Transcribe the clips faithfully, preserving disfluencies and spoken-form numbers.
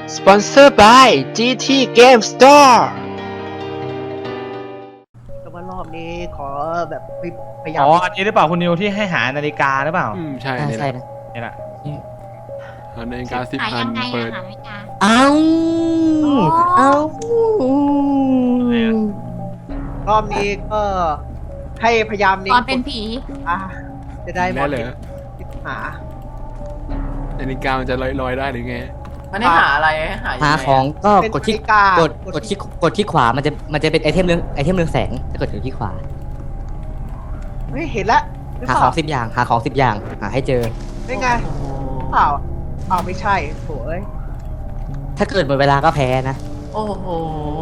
Sponsored by จี ที Game Store แต่ว่ารอบนี้ขอแบบพยายามอ๋ออันนี้หรือเปล่าคุณนิวที่ให้หานาฬิกาหรือเปล่าอืมใช่อ่านี่แหใช่ละนะนี่แหละหานาฬิกาสิบหาอัยันงไงเปิดอะหานาฬิกาเอ้าเอ้ารอบนี้ก็ให้พยายามเน้ตอนเป็นผีอ่ะจะได้หมแน่ดเลยหานาฬิกามันจะลอยๆได้หรือไงมันให้หาอะไรให้หายังไงหาอะของก็เป็นกดที่นาฬิกากดกดที่กดที่ขวามันจะมันจะเป็นไอเทมเรืองไอเทมเรืองแสงถ้ากดที่ขวาเฮ้ยเห็นแล้วหรือหาเปขอล่างสิบอย่างหาของสิบอย่างหาให้เจอได้ไงเปล่าเปล่าไม่ใช่โถ่เอ้ยถ้าเกิดหมดเวลาก็แพ้นะโอ้โห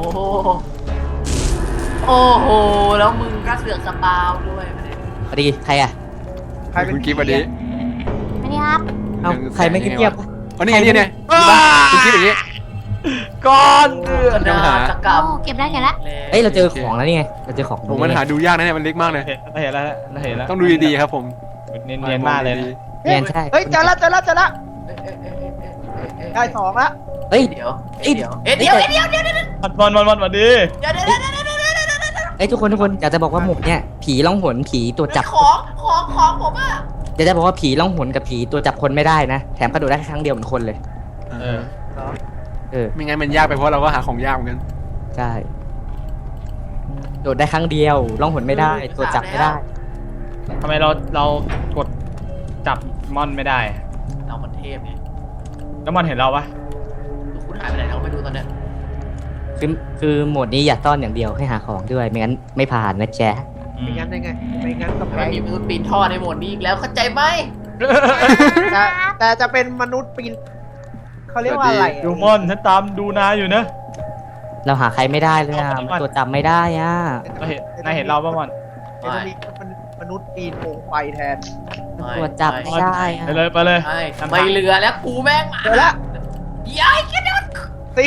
โอ้โห แล้วมึงก็เสือกสปาวด้วยประเด็นพอดีใครอ่ะใครเป็นคุณกิ๊ฟวันนี้ไม่ได้ครับเอ้าใครไม่เงียบๆวะอ๋อนี่ไงนี่ไงคุณกิ๊ฟอย่างนี้ก่อนเดือก็ดน่าจะกลับโอ้เก็บได้เก็บแล้วเอ้ยเราเจอของแล้วนี่ไงเราเจอของผมมันหาดูยากนะเนี่ยมันเล็กมากเลยเราเห็นแล้วเราเห็นแล้วต้องดูดีๆครับผมเนียนๆมากเลยนะเรียนใช่เฮ้ยเจอแล้วเจอแล้วเจอแล้วเอ๊ะเอ๊ะเอ๊ะเอ๊ะเอ๊ะเอ๊ะได้สองแล้วเอ้ยเดี๋ยวเอ๊ะเดี๋ยวเอ๊ะเดี๋ยวเอ๊ะเดี๋ยวเดี๋ยวเดี๋ยวเดี๋ยวบอลบอลบอลบอลดีเดี๋ยวเดี๋ยวเดี๋ยวเดี๋ยวเดี๋ยวเดี๋ยวเดี๋ยวเดี๋ยวเอ้ยทุกคนทุกคนอยากจะบอกว่าหมกเนี่ยผีล่องหนผีตัวจับของของของผมอะอยากจะบอกว่าผีล่องหนกับผีตัวจับคนไม่ได้นะแถมกระโดดได้แค่ครั้งเดียวเหมือนคนเลยเออเออไม่งั้นมันยากไปเพราะเราก็หาของยากเหมือนกันใช่โดดได้ครั้งเดียวล่องหนไม่ได้ ตัวจับไม่ได้ทำไมเราเรากดจับมอนไม่ได้เรามันเทพไงแล้วมอนเห็นเราปะคุณหายไปไหนเราไม่รู้ตอนเนี้ยคือคือโหมดนี้อย่าต้อนอย่างเดียวให้หาของด้วยไม่งั้นไม่ผ่านนะแจ๊ะไม่งั้นได้ไงไม่งั้นก็แต่แพ้ไม่มีมนุษย์ปีนท่อในโหมดนี้อีกแล้วเข้าใจไหมแต่แต่จะเป็นมนุษย์ปีนเขาเรียกว่าอะไรดูมอนฉันตามดูนายอยู่นะเราหาใครไม่ได้เลยอ่ะมันตัวจับไม่ได้อ่ะเราเห็นนายเห็นเราปะมอนจะมีมนุษย์ปีนโคมไฟแทนตัวจับไม่ได้อ่ะไปเลยไปเลยใช่ไม่เหลือแล้วกูแม่งมาเจอแล้วย้ายกันแล้วสี่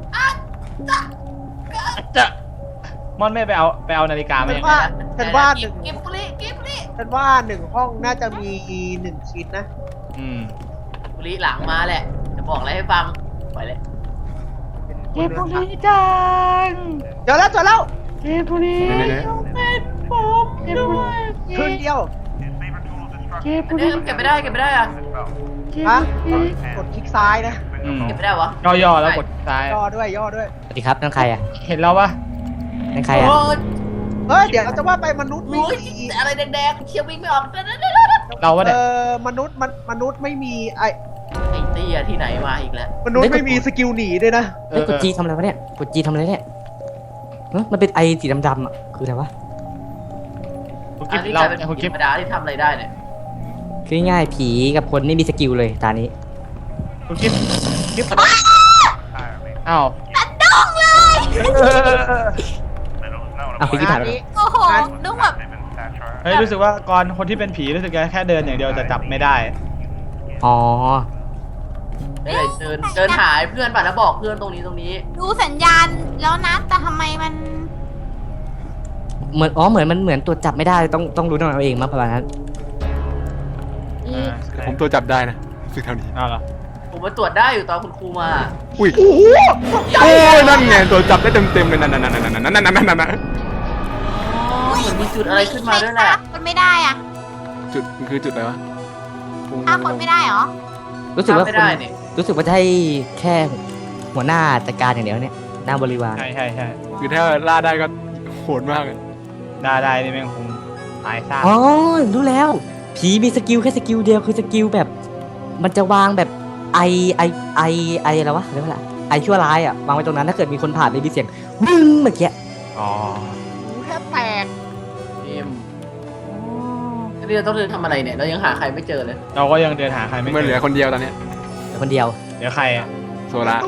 จะมอนไม่ไปเอาไปเอานาฬิกามาฉันยังไงว่าฉันว่าหนึ่งกิฟบุรีกิฟบุรีฉันว่าหนึ่งห้องน่าจะมีหนึ่งชิ้นนะอืมบุรีหลังมาแหละ จะบอกอะไรให้ฟังไปเลยเก็บบุหรี่จังเจอแล้วเจอแล้วเก็บบุหรี่ไหนเป็นผมด้วยครึ่งเดียวเก็บอับุนหนี้รี่เก็บไม่ได้เก็บไม่ได้อะฮะกดคลิกซ้ายนะอืมเก็บไม่ได้วะย่อๆแล้วกดซ้ายย่อด้วยย่อด้วยสวัสดีครับนั่นใครอ่ะเห็นเราปะนั่นใครอ่ะโอ้ยเฮ้ยเดี๋ยวเราจะว่าไปมนุษย์ไม่โอ้ยมีอะไรแดงๆเชียร์วิ่งไม่ออกเราวะเอเนี่ยอมนุษย์มันมนุษย์ไม่มีไอไอ้เตี้ยที่ไหนมาอีกแล้วมนุษย์ไม่มีสกิลหนีด้วยนะเฮ้ยกดจีทำอะไรวะเนี่ยกดจีทำอะไรเนี่ยเฮ้ยมันเป็นไอสีดำๆอ่ะคืออะไรวะคุณกิอัฟนนี้เรากลายเป็นคุณธกิรฟรมดาที่ทำอะไรได้เนี่ยคือง่ายๆผีกับคนไม่มีสกิลเลยตานี้คุณกิฟกิฟอ้าวอ้าวผีที่ผ่านงานไปนี้โอ้โหนึกแบบเฮ้ยรู้สึกว่าก่อนคนที่เป็นผีรู้สึกแค่เดินอย่างเดียวจะจับไม่ได้อ๋อเดินเดินเดินหายเพื่อนป่ะแล้วบอกเพื่อนตรงนี้ตรงนี้ดูสัญญาณแล้วนะแต่ทำไมมันเหมือนอ๋อเหมือนมันเหมือนตัวจับไม่ได้ต้องต้องรู้ตัวเราเองมั้งประมาณนั้นอีกผมตัวจับได้นะสึกเท่านี้อ้าวเหรอผมมาตรวจได้อยู่ตอนคุณครูมาอุ้ยโอ้โหโอ้ยนั่นไงตัวจับได้เต็มๆเลยนั่นนั่นนั่นนั่นนั่นนั่นนั่นนั่นนั่นเหมือนมีจุดอะไรขึ้นมาด้วยแหละคนไม่ได้อ่ะจุดมันคือจุดอะไรวะฆ่าคนไม่ได้เหรอรู้สึกว่าไม่คนได้เนี่ยรู้สึกว่าจะให้แค่หัวหน้าจัดการอย่างเดียวเนี่ยหน้าบริวารใช่ใช่ใช่คือถ้าล่าได้ก็โหดมากเลยได้ได้นี่แม่งคงตายซะอ๋อรู้แล้ว ผีมีสกิลแค่สกิลเดียวคือสกิลแบบ มันจะวางแบบไอไอไอไออะไรวะเรียกว่าอะไรไอชั่วร้ายอ่ะวางไว้ตรงนั้นถ้าเกิดมีคนผ่านเลยมีเสียงบึ้งเมื่อกี้อ๋อหูแทบแตกพิมนี่เราต้องเดินทำอะไรเนี่ย เรายังหาใครไม่เจอเลยเราก็ยังเดินหาใครไม่มันเหเจลืออคนเดียวตอนเนี้ยเดี๋ยวคนเดียวเดี๋ยวใครอ่ะโซล่าตู้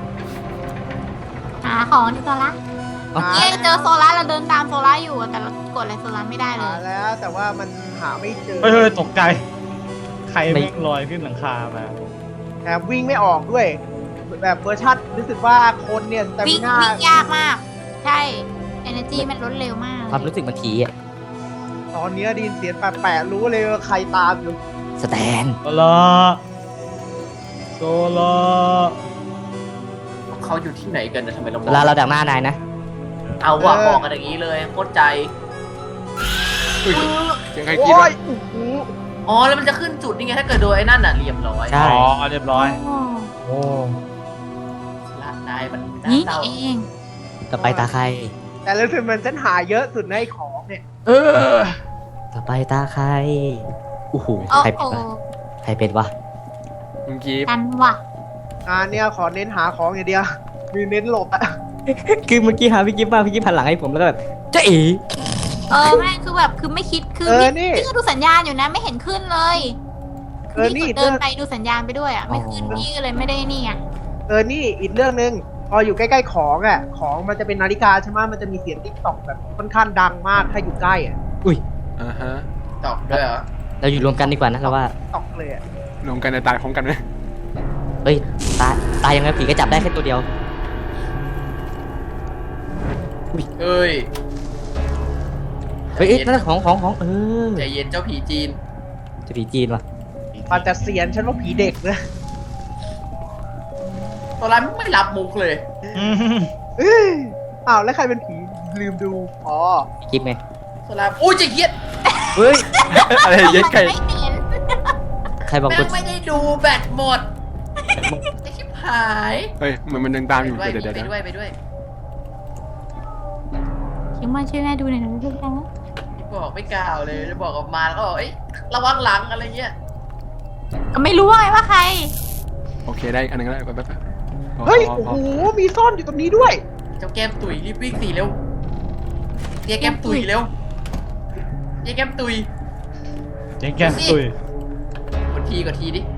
หาของที่โซล่าอ๋อเย่เจอโซล่าเราเดินตามโซล่าอยู่แต่เรากดอะไรโซล่าไม่ได้เลหาย แล้วแต่ว่ามันหาไม่เจอเฮ้ยเฮ้ยตกใจ ใครแม่งลอยขึ้นหลังคามาแถมวิ่งไม่ออกด้วย แบบเวอร์ชันรู้สึกว่าคนเนี่ยแต่วิ่งหน้าวิ่งยากมาก ใช่ energy มันลดเร็วมากความรู้สึกมันผีอ่ะตอนเนี้ยไดยินเสียงแปลกๆรู้เลยว่าใครตามอยู่สแตนโซล่าโซล่าเขาอยู่ที่ไหนกันนะทำไมเรามเวองลาเราดักหน้านายนะเอาว่ะบอกกันอย่างนี้เลยโคตรใจอุ้ยเสียงใครกรีดโอ้วะยโอ้โหอ๋อแล้วมันจะขึ้นจุดนี่ไงถ้าเกิดโดนไอ้นั่นน่ะเรียบร้อยใช่อ๋อเรียบร้อยโอ้ละนายมันน่านี่เศร้าเองต่อไปตาใครแต่รู้สึกมันฉันหาเยอะสุดในไอ้ของเนี่ยเออต่อไปตาใครโอ้โหโอ้ใครโหเป็นวะใครเป็นวะมึงกรีดกันว่ะงานเนี่ยขอเน้นหาของอย่างเดียว มีเน้นหลบอะคือเมื่อกี้หาพี่กิฟต์มาพี่กิฟต์หันหลังให้ผมแล้วก็แบบเจ๊เอ๋เออแม่งคือแบบคือไม่คิดคือเออพี่นี่พี่ก็ดูสัญญาณอยู่นะไม่เห็นขึ้นเลยเออนี่พี่กดเดินไปดูสัญญาณไปด้วยอ่ะไม่ขึ้นพี่ก็เลยไม่ได้นี่ไงเออ นี่อีกเรื่องหนึ่งพออยู่ใกล้ๆของอ่ะ ของมันจะเป็นนาฬิกาใช่ไหมมันจะมีเสียงติ๊กต็อกแบบค่อนข้างดังมากถ้าอยู่ใกล้อ่ะอุ้ยอ่าฮะตอบด้วยเหรอเราอยู่รวมกันดีกว่านะเราว่าตอกเลยอ่ะรวมกันในตายพร้อมกันไหมเฮ้ยตาตายยังไงผีก็จับได้แค่ตัวเดียวเอ้ยเฮ้ยเอ้ยนั่นของของของเออใจเย็นเจ้าผีจีนจะผีจีนวะมันจะเสียนฉันว่าผีเด็กนะตัวร้ายไม่รับมุกเลยเอ้ยอ้าวแล้วใครเป็นผีลืมดู อ๋อพี่กิฟต์ไงตัวร้ายอุ้ยจะเกียดเฮ้ยอะไรเย็ดไก่ไม่เห็นใครบอกแม่กงดไม่ได้ดูแบตหมดไอ้ชิบหายเฮ้ยเหมือนมันเดินตามอยู่ไปเดี๋ยวด้วยเดี๋ยวไปเดี๋ยวด้วยไปด้วยคิดว่าช่วยแม่ดูหน่อยนะลูกนะบอกไม่กล่าวเลยจะบอกออกมาแล้วก็บอกเอ้ยระวังหลังอะไรเงี้ยก็ไม่รู้ว่าไงว่าใครโอเคได้อีกอันหนึงก็ได้ไปไปไปพอเฮ้ยพอโอ้พโหอมีซ่อนอยู่ตรงนี้ด้วยเจ้าแก้มตุยรีบวิ่งสีเร็วเตี้ยแก้มตุยเร็วเตี้ยแก้มตุยเจ๊งแก้มตุยกดทีกดทีดิ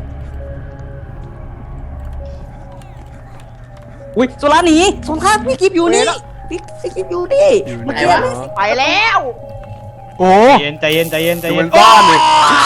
อุ้ยโซล่าหนีโซล่าพี่กิฟต์อยู่นี่พี่พี่กิฟต์อยู่นี่อยู่ไหนไหนวะวะไปแล้วโอ้ใจเย็นใจเย็นใจเย็นใจดูเย็มัน นก้อนเลย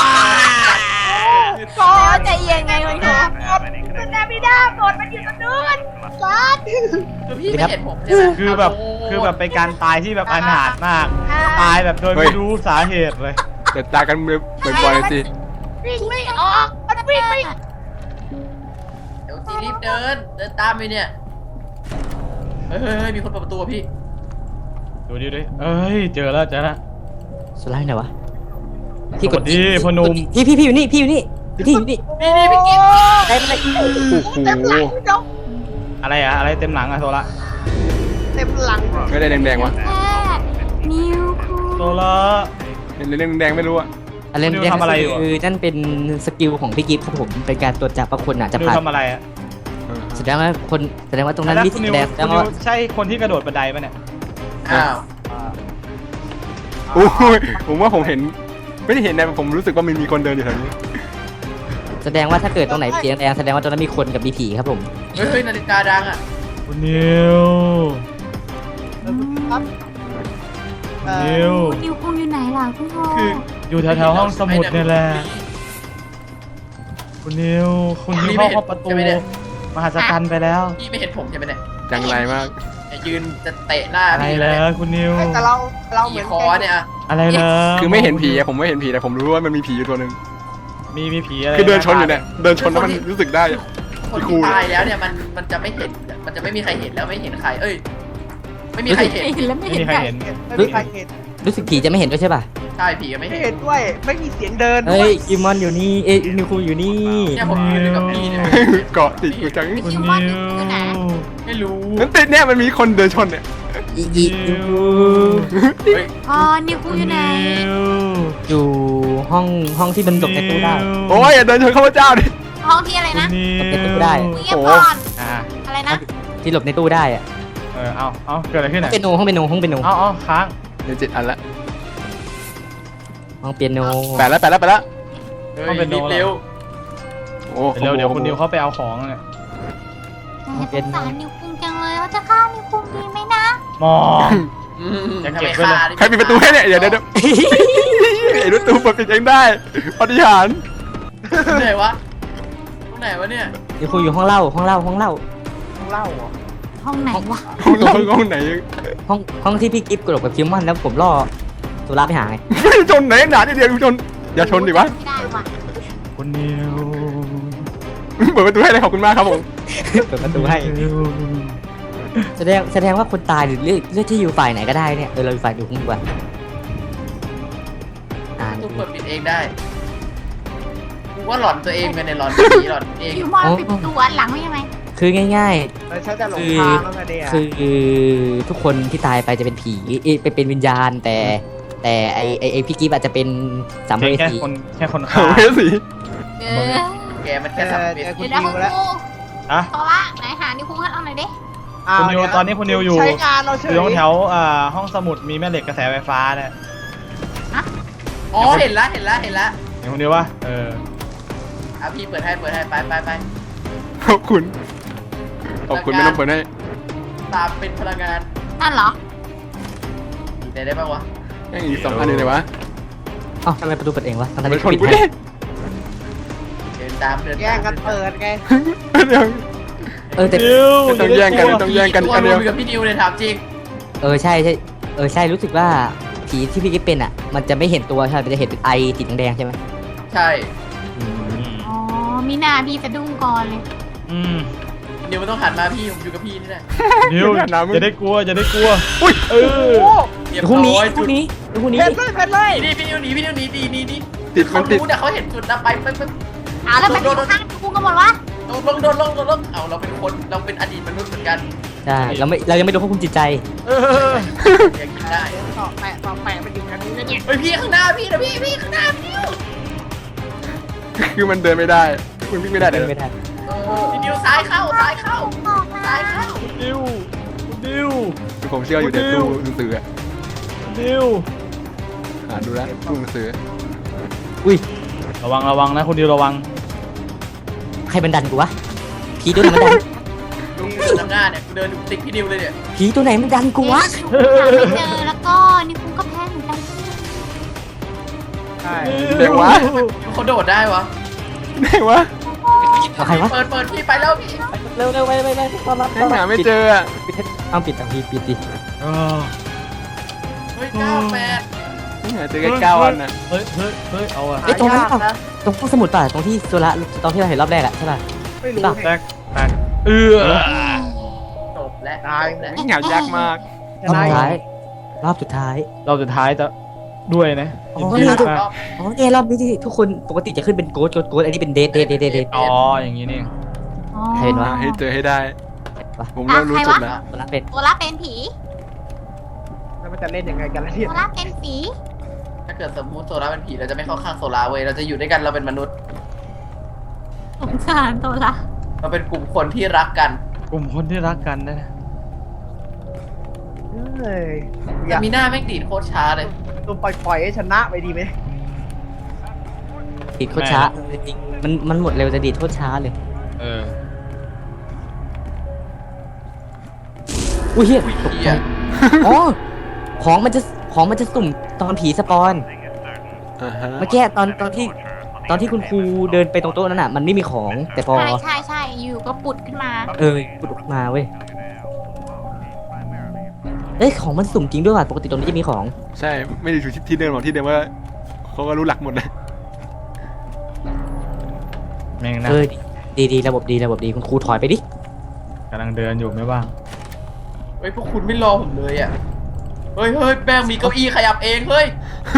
ก็ใจเย็นไงคุณครูมันนาบิดาหมดมันอยู่ตรงนู้นซัดคือพี่ไม่เห็นผมใช่ไหมคือแบบคือแบบเป็นการตายที่แบบอนาถมาก ตายแบบโดยไม่รู้สาเหตุเลยเดี๋ยวตากันบ่อยๆสิวิ่งไม่ออกมันวิ่งไม่เดี๋ยวสีรีบเดินเดินตามไปเนี่ยเฮ้ยเฮ้ยเฮ้ยมีคนเปิดประตูอะพี่ดูดิดิเอ้ยเจอแล้วเจอแล้วโซล่าอยู่ไหนวะสวัสดีพ่อหนุ่มพี่พี่พี่อยู่นี่พี่อยู่นี่พี่อยู่นี่นี่นี่พี่กิ๊ฟได้ไหมโอ้โหเต็มหลังเจ้าอะไรอะอะไรเต็มหลังอะโซละเต็มหลังไม่ได้แดงๆวะแค่นิวคูโซละเห็นเรื่องแดงๆไม่รู้อะอะไรนิวทำอะไรอยู่อะคือนั่นเป็นสกิลของพี่กิฟต์ครับผมเป็นการตรวจจับว่าคนอ่ะจะนิวผ่านทำอะไรอะเออแสดงว่าคนแสดงว่าตรงนั้นแล้วมีคุสีณนิวแดงแสดคุงณนิวว่าใช่คนที่กระโดดบันไดปะเนี่ยอ้าวโอ้ยผมว่าผมเห็น ไม่ได้เห็นนะผมรู้สึกว่ามันมีคนเดินอยู่แถวนี้แสดงว่าถ้าเกิดตรงไหนสีแดงแสดงว่าตรงนั้นมีคนกับมีผีครับผมเฮ้ยเฮ้ยนาฬิกาดังอ่ะคุณนิวครับเอ่อนิวคุณนิวคุงอยู่ไหนล่ะคุณพ่อคืออยู่แถวๆห้องสมุดเนี่ยแหละคุณนิวคุณนิวเข้าห้องประตูมหัศจรรย์ไปแล้วพี่ไม่เห็นผมใช่ไหมเนี่ยจังไรมากอย่ายืนจะเตะหน้าอะไรพี่เลเลยยคุณนิวไม่แต่เราเราเหผีมือนคอเนี่ยอะอะไรเลยคือไม่เห็นผีอะผมไม่เห็นผีแต่ผมรู้ว่ามันมีผีอยู่ตัวหนึ่งมีมีผีอะไรคือเดินชนอยู่เนี่ยเดินชนแล้วมันรู้สึกได้อะคนพี่ครูที่ตายแล้วเนี่ยมันมันจะไม่เห็นมันจะไม่มีใครเห็นแล้วไม่เห็นใคร เอ้ย ไม่มีใครเห็นไม่เห็นแล้วไม่ไม่เห็นมีใครใครเห็นไม่มีใครเห็นรู้สึกผีจะไม่เห็นด้วยใช่ป่ะใช่ผีก็ไม่ไม่เห็เห็นนด้วย ไม่มีเสียงเดินด้เฮ้วย ยกิมมอนอยู่นี่เอ้ยนิวคูอยู่นี่เนี่ยผมยืนอยู่กับพี่เนี่ยเกาะติดอยู่จังคุณคิวนิมอนวอยู่ไหนไม่รู้นั่นติดเนี่ยมันมีคนเดินชนเนี่ยอีอีนิวคูเฮ้ยอ๋อนิวคุงอยู่ไหนอยู่ห้องห้องที่มันหลบในตู้ได้โอ้ยอย่าเดินชนข้าพเจ้าดิห้องที่อะไรนะหลบในตู้ได้มึงเงียบก่อนอ่าอะไรนะที่หลบในตู้ได้อะเออเอาเอาเกิดอะไรขึ้นห้องอ่ะเปียโนห้องเปียโนห้องเปียโนเอาเอาค้างเดี๋ยวเจ็ดอันละห้องเปียโนแปดแล้วแปดแล้วแปดแล้วเฮ้ยรีบเร็วโอ้เดี๋ยวเดี๋ยวคุณนิวเขาไปเอาของเนี่ยสงสารนิวคุงจังเลยว่าจะฆ่านิวคุงดีไหมนะมองอืมจะจะเก็ไปบไว้เลยฆ่าดิใครปิดประตูให้เนี่ยเดี๋ยวเดี๋ยวเดี๋ยวไอ้ประตูเปิดปิดเองได้ปฏิหารย์ตรงไหนวะตรงไหนวะเนี่ยนิวคูอยู่ห้องเล่าห้องเล่าห้องเล่าต้องเล่าเหรอห้องไหนวะห้องห้องห้องไหนห้องห้องที่พี่กิฟต์กระโดดกับคิมมอนแล้วผมล่อสุราไปหาไงชนไหนหนาเดียวชนอย่าชนดิวะไม่ได้ว่ะคุณนิวเปิดประตูให้เลยขอบคุณมากครับผมเปิดประตูให้แสดงแสดงว่าคนตายหรือเลือกเลือกที่อยู่ฝ่ายไหนก็ได้เนี่ยเออเราอยู่ฝ่ายดูดีกว่าอ่าทุกคนปิดเองได้กูว่าหลอนตัวเองกันเนี่ยหลอนผีหลอนเองอยู่มอนปิดประตูอันหลังไม่ใช่ไหมคือง่ายแล้วฉันจะหลงคือทางแล้วไงเนี่ยๆ คือทุกคนที่ตายไปจะเป็นผีเอยเป็นเป็นวิญญาณ แต่แต่ไอไอไอพี่กิฟอาจจะเป็นสัมภแค่เวแค่สีคนแค่คนเอาฆ่าเฮ้ยสิเออแกมันเจแค่อสัมเจผัอสคุณเดี๋ยวนิวคุณแล้วครูอะเพราะว่าไหนหานิ้วคุ้งให้เอาหน่อยดิคุณนิวตอนนี้คุณนิวอยู่ใช้งานเราเฉอย ยู่ตรงแถวอ่าห้องสมุดมีแม่เหล็กกระแสไฟฟ้าเนี่ยอ๋อเห็นละเห็นละเห็นละเห็นคุณนิววะเอออ่ะพี่เปิดให้เปิดให้ไปไปไปขอบคุณขอบคุณไม่ต้องเปิดให้ตามเป็นพลังงานนั่นเหรอได้ได้ป่าวะแม่งอีกสองอันเลยเลยวะเอ้าทำไมประตูเปิดเองวะทั้งไปที่ชนปิดกูให้ดิเดินตามเดินตามแย่งกันเปิดไงเดี๋ยวเออแต่นิวไม่ต้องแย่งกันไม่ต้องแย่งกันตัวอันรเดีวยมวอยู่กับพี่นิวเลยถามจริงเออใช่ใช่เออใช่รู้สึกว่าผีที่พี่กิฟเป็นอ่ะ มันจะไม่เห็นตัวใช่มันจะเห็นเป็นไอติดแดงๆใช่ไหมใช่อืมอ๋อมีหน้าพี่สะดุ้งก่อนเลยอืมนิวมันต้องหันมาพี่ผมอยู่กับพี่นี่แหละนิวจะได้กลัวจะได้กลัวอุ้ยเออเรียบพรุ่งนี้ร้อยพจุรุ่ดงนี้พรุ่งนี้เพ็นเลยเพ็นเลยนี่พี่นิวหนีพี่นิวหนีดีนี่นี่ติดมันติดเขารู้นะเขาเห็นจุดนะไปไปไปเอาแล้วมันอยู่ข้างนิ้วคุ้งกันหมดวะลงลงโดนลงลงลงเอาเราเป็นคนเราเป็นอดีตมนุษย์เหมือนกันใช่เราไม่เรายังไม่รู้ควบคุมจิตใจเออยังกินได้ต่อแปะต่อแปะมันอยู่กันนี้นะเนี่ยเฮ้ยพี่ข้างหน้าพี่นะพี่พี่ข้างหน้าพี่นิวคือมันเดินไม่ได้มันวิ่งไม่ได้เดี๋ยวไม่ได้เออพี่นิวซ้ายเข้าซ้ายเข้าบอกมาซ้ายเข้าคุณนิวคุณนิวผมเชื่ออยู่ในตู้หนังสืออะคุณนิวอ่านดูแล้วตู้หนังสืออุ้ยระวังระวังนะคุณนิวระวังใครบันดันกูวะผีตัวไหนมันดันลุงเดินนำหน้าเนี่ยกูเดินติดพี่นิวเลยเนี่ยผีตัวไหนมันดันกูวะเอ๊ะหาไม่เจอแล้วก็นิ้วคุ้งก็แพ้เหมือนกันใช่เดี๋ยววะนิวเขาโดดได้วะไหนวะเอาใครวะเปิดเปิดพี่ไปแล้วพี่เร็วเร็วไปไปไปต้อนรับแม่งหาไม่เจออะปิดปิดเอาปิดอ่ะพี่ปิดดิเออเฮ้ยเก้าแปดแม่งหาเจอแค่เก้าอันน่ะเฮ้ยเฮ้ยเฮ้ยเอาอะไอ้ยตรงนั้นหายากเปล่านะตรงห้องสมุดป่ะตรงที่โซละตอนที่เราเห็นรอบแรกอะใช่ป่ะไม่รู้แตไงกแตกเออจบแล้วตายจบแล้วแม่งหายากมากรอบสุดท้าย รอบสุดท้ายเราสุดท้ายจะด้วยนะอ๋อยินดีนี่มากอ๋อเนี่ยรอบนี้ที่ทุกคนปกติจะขึ้นเป็นโกดโกดโกดอันนี้เป็นเดทเดทเดทเดทเดทอ๋ออย่างนี้นี่เองอ๋อใครเป็นวะให้เจอให้ได้วะผมเริ่มรู้จุดแล้วโซละเป็นตัวละเป็นผีแล้วมันจะเล่นยังไงกันล่ะเนี่ยตัวละเป็นผีถ้าเกิดสมมุติโซล่าเป็นผีเราจะไม่เข้าข้างโซล่าเว้ยเราจะอยู่ด้วยกันเราเป็นมนุษย์สงสารตัวละเราเป็นกลุ่มคนที่รักกันกลุ่มคนที่รักกันนะเฮ้ยอแต่ยากมีหน้าแม่งดีดโคตรช้าเลยตัวปล่อยๆให้ชนะไปดีไหมดีดโคตรช้าจริงๆมันมันหมดเร็วจะดีดโคตรช้าเลยเอออุ้ยเฮียตกเหี้ใจยอ๋อของมันจะของมันจะสุ่มตอนผีสปอนอ่าฮะเมื่อกี้ตอนตอนที่ตอนที่คุณครูเดินไปตรงโต๊ะนั้นอ่ะมันไม่มีของแต่พอใช่ใช่ใช่อยู่ก็ปุดขึ้นมาเออปุดออกมาเว้ยเอ้ยของมันสุ่มจริงด้วยว่ะปกติตรงนี้จะมีของใช่ไม่ได้อยู่ที่เดิมหรอกที่เดิมว่าเขาก็รู้หลักหมดเลยแม่งนะเออดีดีระบบดีระบบดีคุณครูถอยไปดิกำลังเดินอยู่ไม่ว่างเฮ้ยพวกคุณไม่รอผมเลยอ่ะ เฮ้ยเฮ้ยแม่งมีเก้าอี้ขยับเองเฮ้ย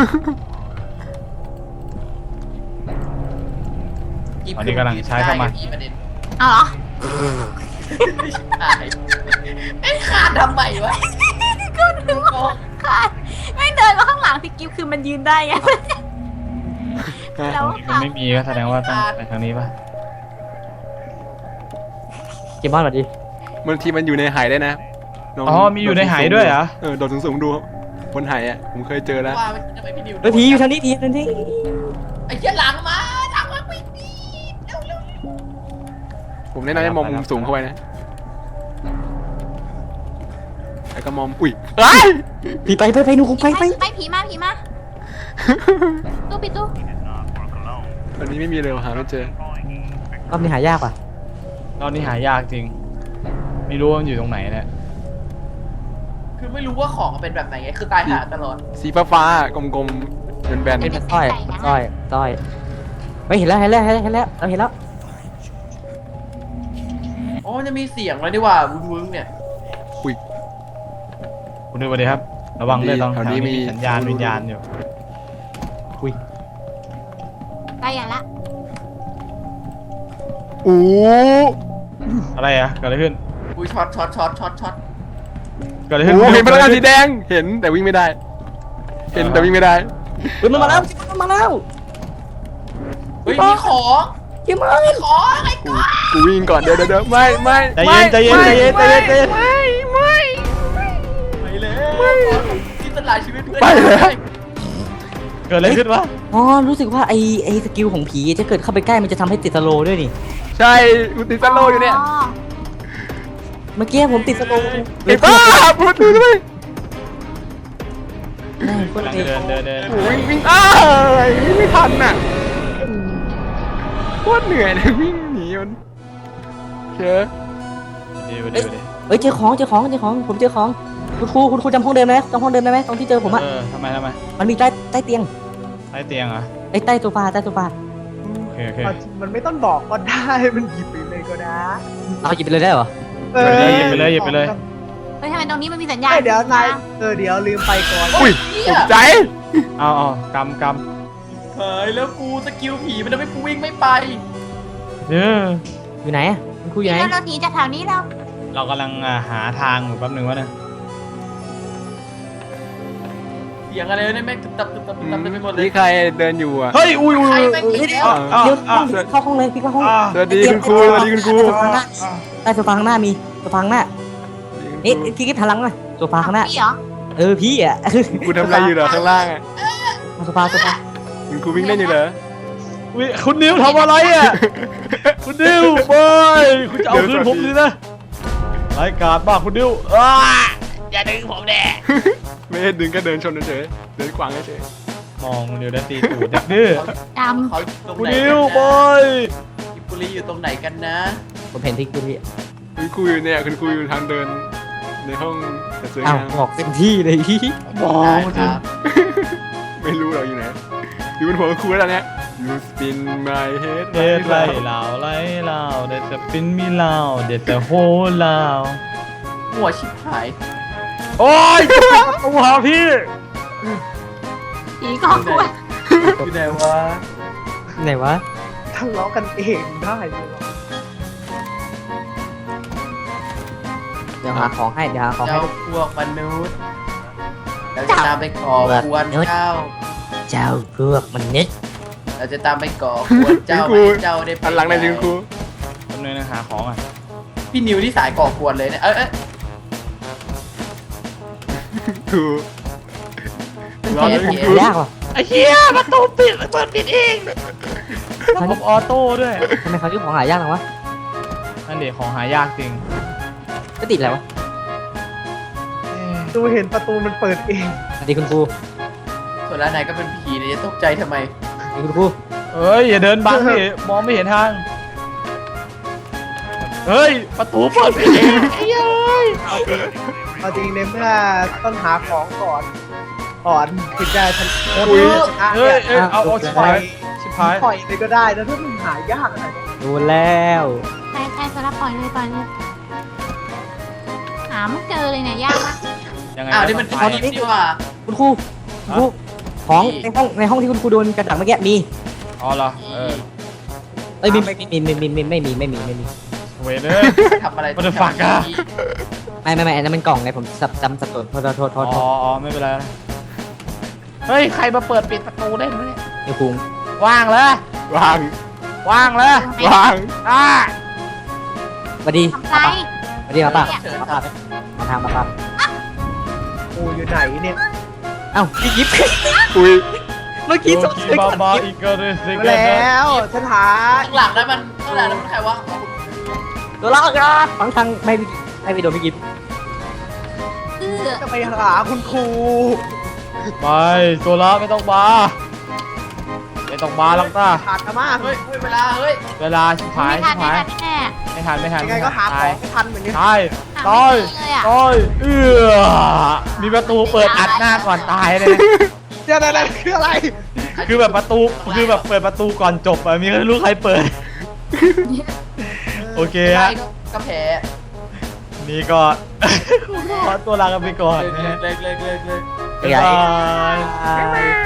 อันนี้กำลังใช้เข้ามาได้ประเด็นเอาเหรอใช่ไอ้ขาดทำไมวะก็นึกว่าขาดไม่เดินมาข้างหลังพี่กิฟคือมันยืนได้ไงแล้วนี่มันไม่มีก็แสดงว่าต้องไปทางนี้ป่ะเกมบอลสวัสดีบางทีมันอยู่ในหายได้นะลงอ๋อมีอยู่ในหายด้วยเหรอเออโดดสูงๆดูบนหายอ่ะผมเคยเจอแล้วว่าไม่ทำไมพี่นิวเฮ้ยผีอยู่ทางนี้ผีอยู่ทางนี้ไอ้เหี้ยหลังมาหลังมาวิ่งดีเร็วเร็วผมแนะนำให้มองมุมสูงเข้าไปนะแล้วก็มองอุ้ยเอ้ยผีไปไปไปหนูคงไปไปไปผีมาผีมาตู้ปิดตู้วันนี้ไม่มีเลยหาไม่เจอรอบนี้หายากว่ะตอนนี้หายากจริง ไม่รู้ว่ามันอยู่ตรงไหนเนี่ยคือไม่รู้ว่าของมันเป็นแบบไหนไงคือตายหาตลอดสีฟ้าฟ้าๆกลมๆเป็นแบนเป็นสร้อยสร้อยสร้อยไม่เห็นแล้วเห็นแล้วเห็นแล้วเห็นแล้วเราเห็นแล้วโอ้จะมีเสียงเลยดีกว่าวุ้งวุ้งเนี่ยคุณดูไปดิครับ ระวังด้วยตอนแถแถววนี้นี้มีมีสัญญาณวิญญาณอยู่ใกล้อย่างละโอ้อะไรอะเกิดอะไรขึ้นอุ้ยช็อตช็อตช็อตช็อตช็อตเกิดอะไรโหขึ้นเห็นพลังงานสีแดงเห็นแต่วิ่งไม่ได้ เห็นแต่วิ่งไม่ได้เฮ้ยมันมาแล้วมันมาแล้วเฮ้ยมีของเกี่ยมมีของอะไรกูกูวิ่งก่อนเดี๋ยวเดี๋ยวเดี๋ยวไม่ไม่ใจเย็นใจเย็นใจเย็นใจเย็นใจเย็นไม่ไม่ไปเลยที่ตลาดชีวิตเพื่อนไปแล้วเกิดอะไรขึ้นวะอ๋อรู้สึกว่าไอไอสกิลของผีจะเกิดเข้าไปใกล้มันจะทำให้ติดสโลว์ด้วยนี่ใช่กูติดสโลว์อยู่เนี่ยเมื่อกี้ผมติดสโลว์ไอ้บ้าพูดดูด้วยแม่งคนกำลังเองเดินเดินเดินโอ้ยวิ่งอ้ายวิ่งไม่ทันน่ะโคตรเหนื่อยเลยวิ่งหนีมันเชื่อดีไปดีไปดีเอ้ยเจอของเจอของเจอของผมเจอของคุณครูคุณครูจำห้องเดิมได้ไหมจำห้องเดิมได้ไหมตรงที่เจอผมอะเออทำไมทำไมมันมีใต้ใต้เตียงใต้เตียงเหรอไอ้ใต้โซฟาใต้โซฟาโอเคโอเคมันไม่ต้องบอกก็ได้ มันหยิบไปเลยก็ได้เอาหยิบไปเลยได้เหรอเออหยิบไปเลยหยิบไปเลยเฮ้ยทำไมตรงนี้มันมีสัญญาณเอ้ยเดี๋ยวนายเออเดี๋ยวลืมไปก่อนอุ้ยตกใจเอาเอากำกเฮ้ยแล้วกูสกิลผีมันทำให้กูวิ่งไม่ไปำเอออยู่ไหนอะคุณครูอยู่ไหนแล้วเราหนีจากแถวนี้เราเรากำลังอ่าหาทางอยู่แป๊บหนึงวะเนี่ยเสียงอะไรเนี่ยแม่งตึบตับตึบตับตึบตับเต็มไปหมดเลยนี่ใครเดินอยู่อ่ะเฮ้ยอุ้ยอุ้ยใครอุ้ยแม่งอีกแล้วอ้าวเดี๋ยวอ้าวเข้าห้องเลยพี่เข้าห้องอ้าวสวัสดีคุณครูสวัสดีคุณครูใต้โซฟาข้างหน้ามีโซฟาข้างหน้านี่พี่กิ๊บหันหลังมาโซฟาข้างหน้าพี่เหรอเออพี่อะคุณทำอะไรอยู่เหรอข้างล่างอ่ะโซฟาโซฟาคุณครูวิ่งเล่นอยู่เหรออุ๊ยคุณนิวทำอะไรอ่ะ คุณนิวบอยคุณจะเอาคืนผมดินะรายการบ้าคุณนิวอ้าอย่าดึงผมแน่ไม่ได้ดึงก็เดินชนเฉยๆเดินขวางเฉยมองคุณนิวได้ตีตูดเด็กดื้อดเขาอยู่ตรงคุณไหนนิวกันบนะอยกิบบุรีอยู่ตรงไหนกันนะผมเห็นที่คุณพี่ๆคุณครูอยู่เนี่ยคุณครูอยู่ทางเดินในห้องแต่สวยอ้าวงามบอกเต็มที่เลยพี่มองได้คุณคนิวรับไม่รู้เราอยู่ไหนอยู่บนหัวคุณครูแล้วเนี่ย You spin my head เด็ดไล่เหล่าไล่เหล่าเด็ดจะปิ้นมีเหล่าเด็ดจะโหเหล่าหัวชิบหายโอ้ยจะปิดประตูหาพี่ำผีกองกล้วยอยู่ไหนวะไหนวะทะเลาะกันเองได้เลยเหรอเดี๋ยวหาของให้เดี๋ยวหาของให้เจ้าพวกมนุษย์เราจะตามไปก่อกวนเจ้าเจ้าพวกมันนิดเราจะตามไปก่อกวนเจ้าคุณครูให้เจ้าได้ไปหันหลังในอยสิคุณครูทำเลยนะหาของอ่ะพี่นิวที่สายก่อกวนเลยเนี่ยเอ้ยเอ้ยครูรอแค่เลยผมคุณครูยากว่ะไอ้เหี้ยประตูปิดเปิดปิดเองระบบออโต้ด้วยทำไมเขาชื่อของหายากจังวะนั่นเด็กของหายากจริงก็ติดอะไรวะดูเห็นประตูมันเปิดเองสวัสดีคุณครูส่วนร้านไหนก็เป็นผีเนี่ยจะตกใจทำไมสวัสดีคุณครูเอ้ยอย่าเดินบังดิมองไม่เห็นทาง เฮ้ยประตูเปิดปิดเองไอ้เอ้ยเอาจริงในเมื่อต้องหาของก่อนก่อนถึงจะชนะอุ้ยชนะเฮ้ยเนี่ยเอ้ยเอาเอาชิบปล่อหาย ยชิบหายปล่อยเลยก็ได้นะถ้ามันหายากอะไรโดนแล้วใช่ใช่สลับปล่อยเลยปล่อยเลยหาไม่เจอเลยเนี่ยยากมากยังไงอ้าวนี่มันก็ผีต้องไปนี่หว่าคุณครูคุณครูของในห้องในห้องที่คุณครูโดนกระดักเมื่อกี้มีอ๋อเหรอเออเอ้ยมีไม่มีไม่มีไม่มีไม่มีไม่มีไม่มีเวรเลยทำอะไร What the fuck อะไม่ไม่ไม่อันนั้นมันกล่องไงผมสับจำสับสนโทษโทษโทษโทอ๋ษออ๋อไม่เป็นไรนะเฮ้ยใครมาเปิดปิดประตูได้ไหมเนี่ยเดี๋ยวคุงว่างเลยวางว่างเลยวางอ่าสวัสดีทำไรสวัสดีมาป่ะเชิญมาครัป่ะบมาทางมาป่ะกูอยู่ไหนเนี่ยเอ้าพี่ยิบอุ้ยเมื่อกี้โยสงกิสัยบาก่อนบายิบอีกก็ได้สิมาแล้วฉันหาข้างหลังนั้นมันข้างหลังนั้นมันใครวะอ๋อตัวละกันฟังทางไม่พี่ไม่ไปโดนพี่ยิบเอื้อจะไปหาคุณครูไปโซล่าไม่ต้องมาไม่ต้องมาหรอกต้าขาดกันมากเฮ้ยเฮ้ยเวลาเฮ้ยเวลาชิบหายไม่ทัชินบไม่หายทันแน่ไม่ทันไม่ทันยังไงก็หาของไม่ทันเหมือนกันตายหาตายไม่เจอเลยอะตายเอื้อมีประตูเปิดอัดหน้าก่อนตายเลยนะเดี๋ยวนั่นคืออะไรคือแบบประตูคือแบบเปิดประตูก่อนจบอะมีไม่รู้ใครเปิด โอเคใครฮะก็ก็แพ้นี่ก็ขอตัวลากันไปก่อนเลิกนะเลิกเลิกเลิกเลิกบ๊ายบายบาย